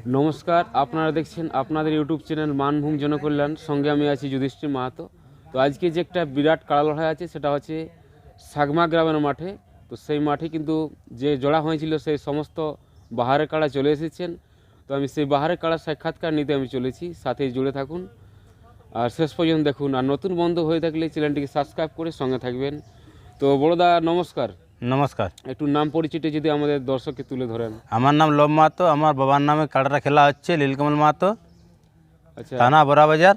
নমস্কার, আপনারা দেখছেন আপনাদের ইউটিউব চ্যানেল মানভূম জনকল্যাণ। সঙ্গে আমি আছি যুধিষ্ঠির মাহাতো। তো আজকে যে একটা বিরাট কাড়া লড়াই আছে সেটা হচ্ছে সাগমা গ্রামের মাঠে। তো সেই মাঠে কিন্তু যে জোড়া হয়েছিল সেই সমস্ত বাহারের কাড়া চলে এসেছেন। তো আমি সেই বাহারের কাড়ার সাক্ষাৎকার নিতে আমি চলেছি, সাথে জুড়ে থাকুন আর শেষ পর্যন্ত দেখুন। আর নতুন বন্ধু হয়ে থাকলে চ্যানেলটিকে সাবস্ক্রাইব করে সঙ্গে থাকবেন। তো বড়দা নমস্কার। নমস্কার। একটু নাম পরিচয়টা যদি আমাদের দর্শককে তুলে ধরেন। আমার নাম লোভ মাহাতো। আমার বাবার নামে কাড়াটা খেলা হচ্ছে লীলকমল মাহাতো, আচ্ছা, থানা বড়াবাজার।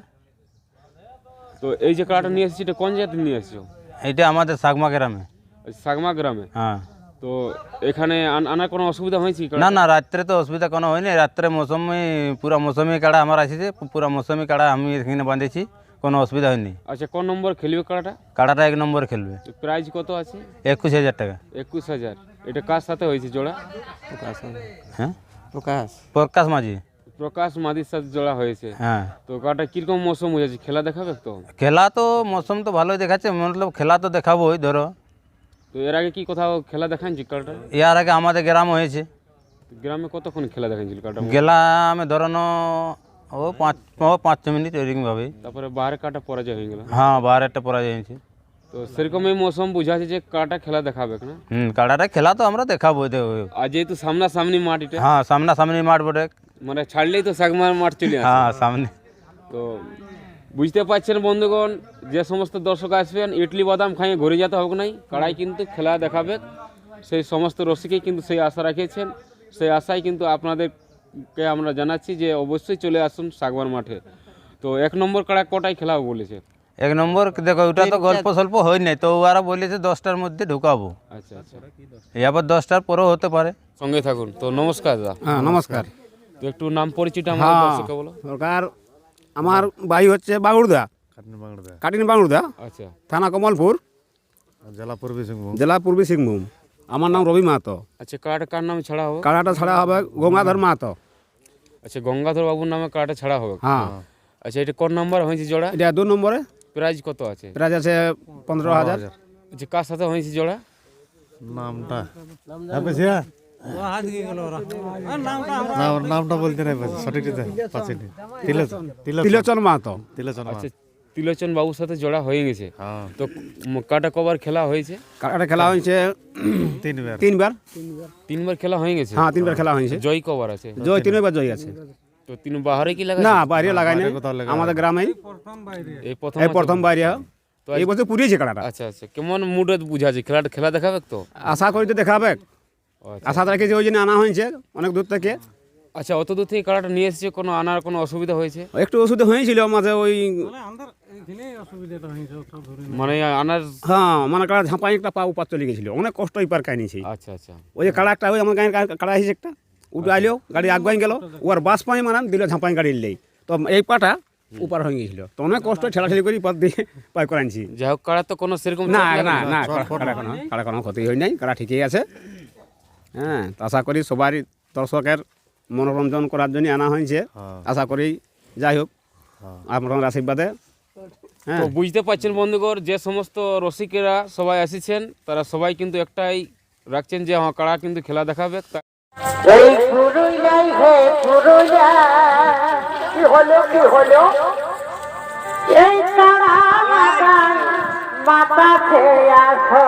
তো এই যে কাড়াটা নিয়ে এসেছি এটা কোন জায়গাতে নিয়ে এসেছো? এটা আমাদের সাগমা গ্রামে। সাগমা গ্রামে। হ্যাঁ। তো এখানে আনার কোনো অসুবিধা হয়েছে? না না, রাত্রে তো অসুবিধা কোনো হয়নি। রাত্রে পুরা মৌসুমি কাড়া আমার আসছে, পুরা মৌসুমি কাড়া আমি এখানে বাঁধেছি, কোনো অসুবিধা হয়নি। আচ্ছা, কোন নম্বর খেলবে কাড়াটা? কাড়াটা 1 নম্বর খেলবে। প্রাইজ কত আছে? 21,000 টাকা। 21,000। এটা কার সাথে হয়েছে জোড়া? হ্যাঁ, প্রকাশ মাঝি। প্রকাশ মাদির সাথে জোড়া হয়েছে। হ্যাঁ। তো কাড়াটা কিরকম মৌসুম হয়েছে? খেলা দেখাবে তো? খেলা তো মৌসুম তো ভালোই দেখাচ্ছে, মতলব খেলা তো দেখাবোই। ধরো, তো এর আগে কি কোথাও খেলা দেখানছি কাড়াটা? এর আগে আমাদের গ্রাম হয়েছে। গ্রামে কতক্ষণ খেলা দেখানছিল কাড়াটা? গ্রামে ধরানো ও 5 মিনিট এরকমভাবেই। তারপরে বাহারে কাটা পরাজয় হয়ে গেল। হ্যাঁ, বাহারেরটা পরাজয় হয়েছে। তো সেরকমই মৌসুম বুঝাচ্ছে যে কাটা খেলা দেখাবে না? কাড়াটা খেলা তো আমরা দেখাবো। আর যেহেতু সামনাসামনি মাঠ এটা। হ্যাঁ, সামনাসামনি মাঠ বটে। মানে ছাড়লেই তো সাগমার মাঠ চলে আসে। হ্যাঁ, সামনে। তো বুঝতে পারছেন বন্ধুগণ, যে সমস্ত দর্শক আসবেন ইডলি বাদাম খাইয়ে ঘুরে যেতে হবে নাই, কাড়াই কিন্তু খেলা দেখাবে। সেই সমস্ত রসিকেই কিন্তু সেই আশা রাখিয়েছেন। সেই আশাই কিন্তু আপনাদেরকে আমরা জানাচ্ছি যে অবশ্যই চলে আসুন সাগমার মাঠে। তো 1 নম্বর কাড়া কটায় খেলা বলেছে? 1 নম্বর দেখো, ওটা তো গল্প স্বল্প হয় নাই, তো ওরা বলেছে 10টার মধ্যে ঢুকাবো। আচ্ছা আচ্ছা, এবার 10টার পরেও হতে পারে। সঙ্গে থাকুন। তো নমস্কার দাদা। হ্যাঁ, নমস্কার। তো একটু নাম পরিচয়টা আমাদের দর্শককে বলো। সরকার, আমার বাড়ি হচ্ছে বাগুড়দা, কাটিন বাগুড়দা, আচ্ছা, থানা কমলপুর, জেলা পূর্বী সিংভূম। আমার নাম রবি মাহাতো। আচ্ছা, কাড়াটা কার নামে ছাড়া হবে? কাড়াটা ছাড়া হবে গঙ্গাধর মাহাতো। আচ্ছা, গঙ্গাধর বাবুর নামে কাড়াটা ছাড়া হবে। হ্যাঁ। আচ্ছা, এটা কোন নাম্বার হয়েছে জোড়া? এটা 2 নম্বরে। প্রাইজ কত আছে? প্রাইজ আছে 15,000। আচ্ছা, কার সাথে হয়েছে জোড়া? নামটা বলতে নাই, সঠিক তিলোচন মাহাতো। আচ্ছা, তিলোচন বাবুর সাথে জোড়া হয়ে গেছে। তো কাটা কবার খেলা হয়েছে? কাড়াটা খেলা হয়েছে 3বার। 3বার খেলা হয়ে গেছে। হ্যাঁ, 3বার খেলা হয়েছে। জয় কবার আছে? জয় 3বার জয় আছে। তো 3 বাহারে কি লাগা? না, বাইরে লাগাই না, আমাদের গ্রামেই এই প্রথম বাইরে। তো এই বছর পুড়িয়েছে কাড়াটা। আচ্ছা আচ্ছা, কেমন মুডে বুঝাচ্ছে? খেলা দেখাবে তো? আশা করি তো দেখাবে। আচ্ছা। আশা রাখেছি, ওই জন্য আনা হয়েছে অনেক দূর থেকে। আচ্ছা, অত দূর থেকে কাড়াটা নিয়ে এসেছে, কোনো আনার কোনো অসুবিধা হয়েছে? একটু ওষুধ হয়েছিল মাঝে, ওই মানে আনার। হ্যাঁ, মানে কাড়া ঝাঁপাই একটা পা উপার চলে গেছিল, অনেক কষ্ট এই পার কাহিনিছি। আচ্ছা আচ্ছা, ওই যে কাড়া একটা, ওই আমার গাড়ি কাড়া হয়েছে একটা, উঠে আইলেও গাড়ি আগুয়াই গেল, ওর বাস পাই মানান দিল ঝাঁপাই গাড়ি নেই, তো এই পাটা উপার হয়ে গেছিল, তো অনেক কষ্ট ঠেলাঠেলি করে পার দিয়ে পাই করাইছি। যাই হোক, কাড়া তো কোনো সেরকম না না না, কাড়া কোনো ক্ষতি হয় নাই, কাড়া ঠিকই আছে। হ্যাঁ, তো আশা করি সবারই দর্শকের মনোরঞ্জন করার জন্য আনা হয়েছে। আশা করি যাই হোক আপনার আশীর্বাদে। তো বুঝতে পারছেন বন্ধুগণ, যে সমস্ত রসিকেরা সবাই এসেছেন তারা সবাই কিন্তু একটাই রাখছেন যে আমার কাড়া কিন্তু খেলা দেখাবে। এই পুরুলিয়ায় হে পুরুলিয়া, কি হলো কি হলো, এই কাড়া লাগান মাথা খেয়ে আসো।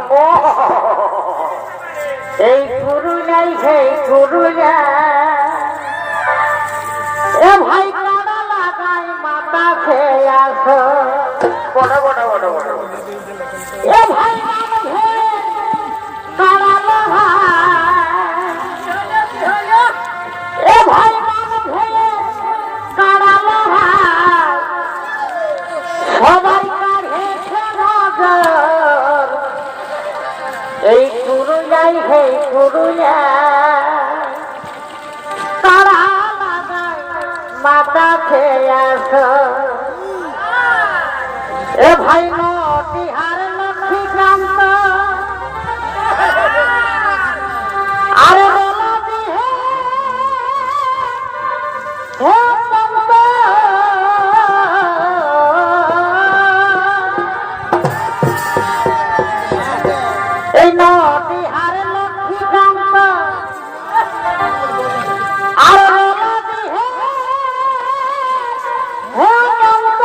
এই পুরুলিয়ায় হে পুরুলিয়া, এ ভাই কাড়া লাগাই মাথা খেয়ে আসো। বড় বড় বড় বড় এ ভাই কাড়া লাগাই, এ ভাই কাড়া লাগাই, সবাই কাঢ়েছে নজর। এই পুরুলিয়ায় হে পুরুলিয়া, কাড়া লাগাই মাথা খেয়ে আসো। এ ভাই